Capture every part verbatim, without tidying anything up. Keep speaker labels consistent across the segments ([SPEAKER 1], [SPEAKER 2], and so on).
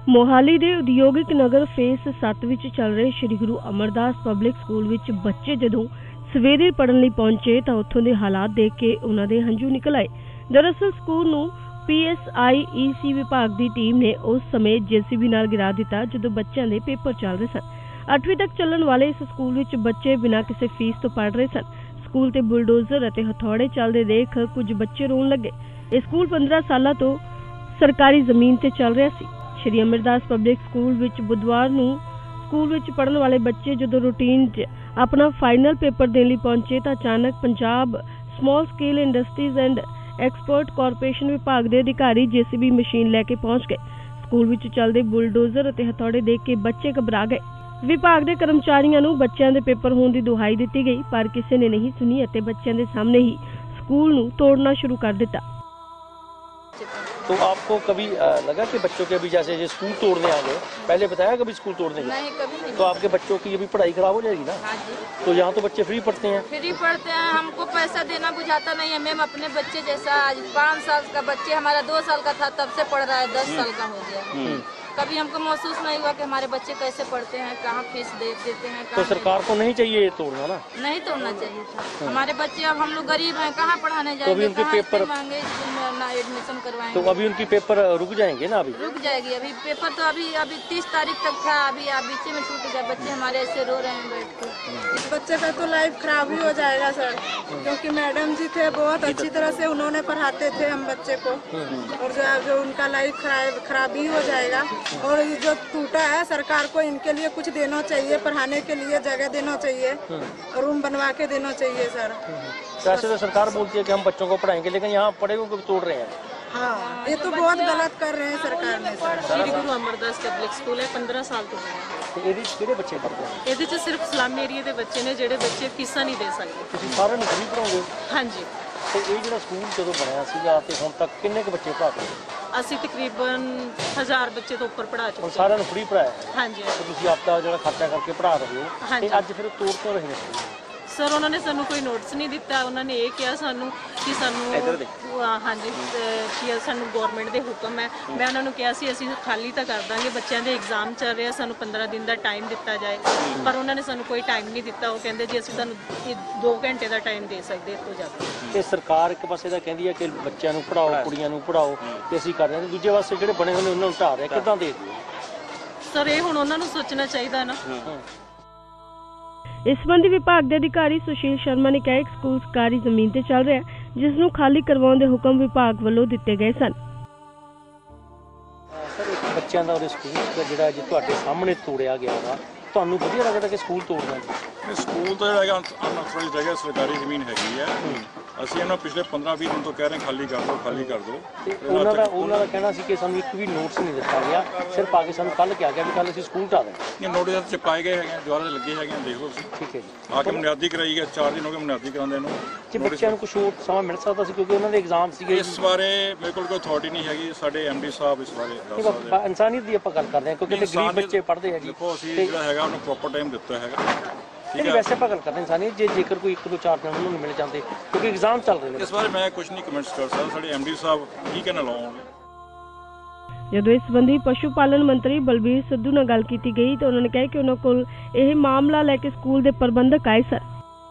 [SPEAKER 1] मोहाली के उद्योगिक नगर फेस सत्त विच चल रहे श्री गुरु अमरदास पब्लिक स्कूल विच बच्चे जदों सवेरे पढ़न लई पहुंचे तां उत्थों दे हालात देख के उन्हां दे हंझू निकल आए। दरअसल स्कूल नूं पी एस आई ई सी विभाग की टीम ने उस समय जे सी बी नाल गिरा दिता जदों बच्चों के पेपर चल रहे सन। अठवीं तक चलण वाले इस स्कूल विच बच्चे बिना किसी फीस तो पढ़ रहे सन। स्कूल ते बुलडोजर अते हथौड़े चलदे देख कुछ बच्चे रोन लगे। यह स्कूल पंद्रह साल तो सरकारी जमीन ते चल रहा सी। श्री अमरदास पब्लिक स्कूल विच बुधवार नूं स्कूल विच पढ़न वाले बच्चे जदों रूटीन च अपना फाइनल पेपर देने लई पहुंचे तां अचानक Punjab small scale industries and export corporation विभाग के अधिकारी जे सी बी मशीन लैके पहुंच गए। स्कूल विच चलदे बुलडोजर अते हथौड़े देख के बच्चे घबरा गए। विभाग के कर्मचारियों नूं बच्चों के पेपर होने की दुहाई दी गई, पर किसी ने नहीं सुनी अते बच्चों के सामने ही स्कूल नूं तोड़ना शुरू कर दिता।
[SPEAKER 2] तो आपको कभी लगा कि बच्चों के अभी जैसे ये स्कूल तोड़ने आ गए, पहले बताया कभी स्कूल तोड़ने गए?
[SPEAKER 3] नहीं, कभी नहीं।
[SPEAKER 2] तो आपके बच्चों की अभी पढ़ाई खराब हो जाएगी ना?
[SPEAKER 3] हाँ जी।
[SPEAKER 2] तो यहाँ तो बच्चे फ्री पढ़ते हैं?
[SPEAKER 3] फ्री पढ़ते हैं, हमको पैसा देना बुझाता नहीं है। मैम अपने बच्चे जैसा आज पाँच साल का बच्चे हमारा दो साल का था तब से पढ़ रहा है, दस साल का हो गया। कभी हमको महसूस नहीं हुआ कि हमारे बच्चे कैसे पढ़ते हैं, कहाँ फीस दे देते हैं।
[SPEAKER 2] तो सरकार को नहीं चाहिए ये तोड़ना ना?
[SPEAKER 3] नहीं तोड़ना चाहिए था। हमारे बच्चे अब हम लोग गरीब हैं, कहाँ पढ़ाने जाएंगे?
[SPEAKER 2] तो अभी उनके पेपर
[SPEAKER 3] मांगे ना एडमिशन करवाएंगे।
[SPEAKER 2] तो अभी उनकी पेपर रुक जाएंगे ना? अभी
[SPEAKER 3] रुक जाएगी। अभी पेपर तो अभी अभी तीस तारीख तक था, अभी आप बीच में छूट गया। बच्चे हमारे ऐसे रो रहे हैं बैठ के।
[SPEAKER 4] इस बच्चे का तो लाइफ खराब ही हो जाएगा सर, क्योंकि मैडम जी थे बहुत अच्छी तरह से उन्होंने पढ़ाते थे हम बच्चे को, और जो जो उनका लाइफ खराब खराब ही हो जाएगा। और जो टूटा है सरकार को इनके लिए कुछ देना चाहिए, पढ़ाने के लिए जगह देना चाहिए, रूम बनवा के देना चाहिए सर।
[SPEAKER 2] वैसे तो सरकार बोलती है कि हम बच्चों को पढ़ाएंगे, लेकिन यहाँ पढ़े को तोड़ रहे हैं।
[SPEAKER 4] हाँ, ये तो बहुत गलत कर रहे हैं सरकार ने सर।
[SPEAKER 5] श्री गुरु अमरदास पब्लिक स्कूल है, पंद्रह साल तो
[SPEAKER 2] ਤੇ ਇਹਦੇ ਚ ਕਿਹੜੇ ਬੱਚੇ ਪੜ੍ਹਦੇ ਆ?
[SPEAKER 5] ਇਹਦੇ ਚ ਸਿਰਫ ਸਲਮ ਏਰੀਆ ਦੇ ਬੱਚੇ ਨੇ ਜਿਹੜੇ ਬੱਚੇ ਫੀਸਾਂ ਨਹੀਂ ਦੇ ਸਕਦੇ।
[SPEAKER 2] ਤੁਸੀਂ ਸਾਰਿਆਂ ਨੂੰ ਫ੍ਰੀ ਪੜਾਉਂਗੇ?
[SPEAKER 5] ਹਾਂਜੀ।
[SPEAKER 2] ਤੇ ਇਹ ਜਿਹੜਾ ਸਕੂਲ ਜਦੋਂ ਬਣਿਆ ਸੀਗਾ ਤੇ ਹੁਣ ਤੱਕ ਕਿੰਨੇ ਕੁ ਬੱਚੇ ਪੜ੍ਹਾਤੇ?
[SPEAKER 5] ਅਸੀਂ ਤਕਰੀਬਨ ਹਜ਼ਾਰ ਬੱਚੇ ਤੋਂ ਉੱਪਰ ਪੜ੍ਹਾ ਚੁੱਕੇ
[SPEAKER 2] ਹਾਂ। ਸਾਰਿਆਂ ਨੂੰ ਫ੍ਰੀ ਪੜਾਇਆ?
[SPEAKER 5] ਹਾਂਜੀ।
[SPEAKER 2] ਤੁਸੀਂ ਆਪਦਾ ਜਿਹੜਾ ਖਰਚਾ ਕਰਕੇ ਪੜ੍ਹਾ ਰਹੇ ਹੋ, ਤੇ ਅੱਜ ਫਿਰ ਤੋੜ ਕਿਉਂ ਰਹੇ ਨੇ?
[SPEAKER 5] ਸਰ ਉਹਨਾਂ ਨੇ ਸਾਨੂੰ ਕੋਈ ਨੋਟਿਸ ਨਹੀਂ ਦਿੱਤਾ। ਉਹਨਾਂ ਨੇ ਇਹ ਕਿਹਾ ਸਾਨੂੰ ਕਿ ਸਾਨੂੰ ਹਾਂਜੀ ਕਿ ਸਾਨੂੰ ਗਵਰਨਮੈਂਟ ਦੇ ਹੁਕਮ ਹੈ। ਮੈਂ ਉਹਨਾਂ ਨੂੰ ਕਿਹਾ ਸੀ ਅਸੀਂ ਖਾਲੀ ਤਾਂ ਕਰ ਦਾਂਗੇ, ਬੱਚਿਆਂ ਦੇ ਐਗਜ਼ਾਮ ਚੱਲ ਰਹੇ ਆ, ਸਾਨੂੰ ਪੰਦਰਾਂ ਦਿਨ ਦਾ ਟਾਈਮ ਦਿੱਤਾ ਜਾਏ, ਪਰ ਉਹਨਾਂ ਨੇ ਸਾਨੂੰ ਕੋਈ ਟਾਈਮ ਨਹੀਂ ਦਿੱਤਾ। ਉਹ ਕਹਿੰਦੇ ਜੀ ਅਸੀਂ ਤੁਹਾਨੂੰ ਦੋ ਘੰਟੇ ਦਾ ਟਾਈਮ ਦੇ ਸਕਦੇ ਇਸ ਤੋਂ ਜ਼ਿਆਦਾ।
[SPEAKER 2] ਤੇ ਸਰਕਾਰ ਇੱਕ ਪਾਸੇ ਤਾਂ ਕਹਿੰਦੀ ਹੈ ਕਿ ਬੱਚਿਆਂ ਨੂੰ ਪੜਾਓ, ਕੁੜੀਆਂ ਨੂੰ ਪੜਾਓ, ਤੇ ਅਸੀਂ ਕਰ ਰਹੇ ਹਾਂ, ਦੂਜੇ ਪਾਸੇ ਜਿਹੜੇ ਬਣੇ ਹੋਏ ਉਹਨਾਂ ਨੂੰ ਢਾਹ ਰਹੇ। ਕਿੱਦਾਂ ਦੇ
[SPEAKER 5] ਸਰ ਇਹ ਹੁਣ ਉਹਨਾਂ ਨੂੰ ਸੋਚਣਾ ਚਾਹੀਦਾ ਨਾ।
[SPEAKER 1] इस संबंधी विभाग के अधिकारी सुशील शर्मा ने कहा कि स्कूल सरकारी जमीन ते चल रहा है, जिसनूं खाली करवाउण दे हुक्म विभाग वालों दिते गए सन।
[SPEAKER 2] सर एक बच्चों का स्कूल जिहड़ा जी तुहाडे सामने तोड़िया गया वा, ਤੁਹਾਨੂੰ ਵਧੀਆ ਲੱਗਦਾ ਕਿ ਸਕੂਲ ਤੋੜਨਾ ਜੀ?
[SPEAKER 6] ਸਕੂਲ ਤਾਂ ਜਿਹੜਾ ਹੈਗਾ ਅਨਥੋੜੀ ਜਗ੍ਹਾ ਸਰਕਾਰੀ ਜ਼ਮੀਨ ਹੈਗੀ ਹੈ। ਅਸੀਂ ਇਹਨਾਂ ਪਿਛਲੇ ਪੰਦਰਾਂ ਵੀਹ ਦਿਨ ਤੋਂ ਕਹਿ ਰਹੇ ਖਾਲੀ ਕਰ ਦਿਓ, ਖਾਲੀ ਕਰ ਦਿਓ।
[SPEAKER 2] ਉਹਨਾਂ ਦਾ ਉਹਨਾਂ ਦਾ ਕਹਿਣਾ ਸੀ ਕਿ ਸਾਨੂੰ ਇੱਕ ਵੀ ਨੋਟਿਸ ਨਹੀਂ ਦਿੱਤਾ ਗਿਆ, ਸਿਰਫ ਆ ਕੇ ਸਾਨੂੰ ਕੱਲ੍ਹ ਕਿਹਾ ਗਿਆ ਵੀ ਕੱਲ੍ਹ ਅਸੀਂ ਸਕੂਲ ਢਾਹ ਦੇਣਾ।
[SPEAKER 6] ਇਹ ਨੋਟਿਸ ਚਪਾਏ ਗਏ ਹੈਗੇ, ਦੁਆਰਾ ਦੇ ਲੱਗੇ ਹੈਗੇ, ਦੇਖ ਲਓ ਤੁਸੀਂ।
[SPEAKER 2] ਠੀਕ ਹੈ ਜੀ।
[SPEAKER 6] ਆ ਕੇ ਬੁਨਿਆਦੀ ਕਰਾਈ ਗਿਆ, ਚਾਰ ਦਿਨ ਹੋ ਗਏ ਬੁਨਿਆਦੀ ਕਰਾਉਂਦੇ ਨੂੰ।
[SPEAKER 2] ਜੇ ਬੱਚਿਆਂ ਨੂੰ ਕੁਛ ਹੋਰ ਸਮਾਂ ਮਿਲ ਸਕਦਾ ਸੀ, ਕਿਉਂਕਿ ਉਹਨਾਂ ਦੇ ਐਗਜ਼ਾਮ ਸੀਗੇ।
[SPEAKER 6] ਇਸ ਬਾਰੇ ਮੇਰੇ ਕੋਲ ਕੋਈ ਅਥਾਰਟੀ ਨਹੀਂ ਹੈਗੀ, ਸਾਡੇ ਐਮ ਡੀ ਸਾਹਿਬ ਇਸ ਬਾਰੇ ਦੱਸ ਸਕਦੇ ਆ।
[SPEAKER 2] ਇਨਸਾਨੀਅਤ ਦੀ ਆਪਾਂ ਗੱਲ ਕਰਦੇ ਹਾਂ, ਕਿਉਂਕਿ ਗਰੀਬ ਬੱਚੇ ਪੜ੍ਹਦੇ ਆ ਜੀ।
[SPEAKER 6] ਦੇਖੋ ਅਸੀਂ ਜਿਹੜਾ ਹੈਗਾ ਉਹਨੂੰ ਪ੍ਰੋਪਰ ਟਾਈਮ ਦਿੱਤਾ ਹੈਗਾ।
[SPEAKER 2] ਨਹੀਂ ਵੈਸੇ ਆਪਾਂ ਗੱਲ ਕਰਦੇ ਇਨਸਾਨੀਅਤ, ਜੇ ਜੇਕਰ ਕੋਈ ਇੱਕ ਦੋ ਚਾਰ ਦਿਨ ਉਹਨਾਂ ਨੂੰ ਮਿਲ ਜਾਂਦੇ, ਕਿਉਂਕਿ ਐਗਜ਼ਾਮ ਚੱਲ ਰਹੇ ਨੇ।
[SPEAKER 6] ਇਸ ਬਾਰੇ ਮੈਂ ਕੁਝ ਨਹੀਂ ਕਮੈਂਟਸ ਕਰ ਸਕਦਾ, ਸਾਡੇ ਐਮ ਡੀ ਸਾਹਿਬ ਕੀ ਕਹਿਣਾ ਲਾਉਣਗੇ।
[SPEAKER 1] ਜਦੋਂ ਇਸ ਸੰਬੰਧੀ ਪਸ਼ੂ ਪਾਲਣ ਮੰਤਰੀ ਬਲਬੀਰ ਸਿੱਧੂ ਨਾਲ ਗੱਲ ਕੀਤੀ ਗਈ ਤਾਂ ਉਹਨਾਂ ਨੇ ਕਿਹਾ ਕਿ ਉਹਨਾਂ ਕੋਲ ਇਹ ਮਾਮਲਾ ਲੈ ਕੇ ਸਕੂਲ ਦੇ ਪ੍ਰਬੰਧਕ ਆਏ ਸਨ।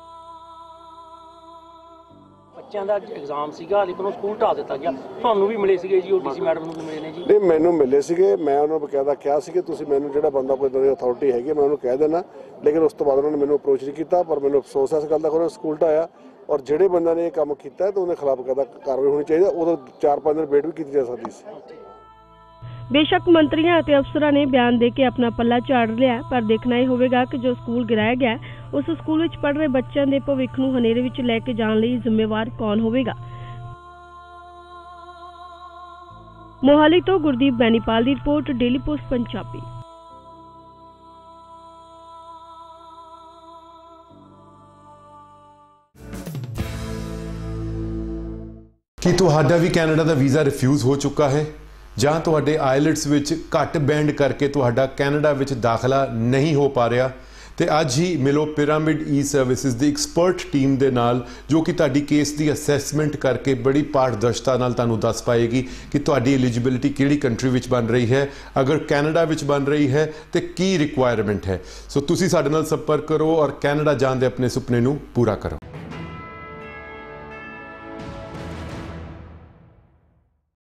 [SPEAKER 1] ਬੱਚਿਆਂ ਦਾ ਐਗਜ਼ਾਮ ਸੀਗਾ, ਲੇਕਿਨ ਉਹ ਸਕੂਲ ਢਾਹ ਦਿੱਤਾ ਗਿਆ। ਤੁਹਾਨੂੰ ਵੀ ਮਿਲੇ ਸੀਗੇ ਜੀ, ਉਹ ਡੀਸੀ ਮੈਡਮ ਨੂੰ ਵੀ ਮਿਲੇ ਨੇ ਜੀ?
[SPEAKER 7] ਨਹੀਂ, ਮੈਨੂੰ ਮਿਲੇ ਸੀਗੇ। ਮੈਂ ਉਹਨਾਂ ਨੂੰ ਬਕਾਇਦਾ ਕਿਹਾ ਸੀ ਕਿ ਤੁਸੀਂ ਮੈਨੂੰ ਜਿਹੜਾ ਬੰਦਾ ਕੋਈ ਇਦਾਂ ਦੀ ਅਥਾਰਟੀ ਹੈਗੀ ਮੈਂ ਉਹਨੂੰ ਕਹਿ ਦੇਣਾ, ਲੇਕਿਨ ਉਸ ਤੋਂ ਬਾਅਦ ਉਹਨਾਂ ਨੇ ਮੈਨੂੰ ਅਪਰੋਚ ਨਹੀਂ ਕੀਤਾ। ਪਰ ਮੈਨੂੰ ਅਫਸੋਸ ਹੈ ਇਸ ਗੱਲ ਦਾ ਕਿ ਉਹਨਾਂ ਸਕੂਲ ਢਾਇਆ, ਔਰ ਜਿਹੜੇ ਬੰਦੇ ਨੇ ਇਹ ਕੰਮ ਕੀਤਾ ਤਾਂ ਉਹਦੇ ਖਿਲਾਫ ਕਾਇਦਾ ਕਾਰਵਾਈ ਹੋਣੀ ਚਾਹੀਦੀ। ਉਦੋਂ ਚਾਰ ਪੰਜ ਦਿਨ ਵੇਟ ਵੀ ਕੀਤੀ ਜਾ ਸਕਦੀ ਸੀ।
[SPEAKER 1] बेशक मंत्रियों और अफसरों ने बयान दे के अपना पल्ला झाड़ लिया, पर देखना यह होगा कि जो स्कूल गिराया गया उस स्कूल में पढ़ रहे बच्चों के भविख नूं हनेरे विच लैके जाण लई जिम्मेवार कौन होवेगा। मोहाली तो गुरदीप बैनीपाल की रिपोर्ट, डेली पोस्ट पंजाबी।
[SPEAKER 8] ਕੀ ਤੁਹਾਡਾ ਵੀ ਕੈਨੇਡਾ ਦਾ ਵੀਜ਼ਾ ਰਿਫਿਊਜ਼ ਹੋ ਚੁੱਕਾ ਹੈ ਜਾਂ ਤੁਹਾਡੇ ਆਇਲਟਸ ਵਿੱਚ ਘੱਟ ਬੈਂਡ ਕਰਕੇ ਤੁਹਾਡਾ ਕੈਨੇਡਾ ਵਿੱਚ ਦਾਖਲਾ ਨਹੀਂ ਹੋ ਪਾ ਰਿਹਾ ਤੇ ਅੱਜ ਹੀ ਮਿਲੋ ਪਿਰਾਮਿਡ ਈ ਸਰਵਿਸਿਜ਼ ਦੀ ਐਕਸਪਰਟ ਟੀਮ ਦੇ ਨਾਲ, ਜੋ ਕਿ ਤੁਹਾਡੀ ਕੇਸ ਦੀ ਅਸੈਸਮੈਂਟ ਕਰਕੇ ਬੜੀ ਪਾਰਦਰਸ਼ਤਾ ਨਾਲ ਤੁਹਾਨੂੰ ਦੱਸ ਪਾਏਗੀ ਕਿ ਤੁਹਾਡੀ ਐਲੀਜੀਬਿਲਿਟੀ ਕਿਹੜੀ ਕੰਟਰੀ ਵਿੱਚ ਬਣ ਰਹੀ ਹੈ, ਅਗਰ ਕੈਨੇਡਾ ਵਿੱਚ ਬਣ ਰਹੀ ਹੈ ਤੇ ਕੀ ਰਿਕੁਆਇਰਮੈਂਟ ਹੈ। ਸੋ ਤੁਸੀਂ ਸਾਡੇ ਨਾਲ ਸੰਪਰਕ ਕਰੋ ਔਰ ਕੈਨੇਡਾ ਜਾਣ ਦੇ ਆਪਣੇ ਸੁਪਨੇ ਨੂੰ ਪੂਰਾ ਕਰੋ।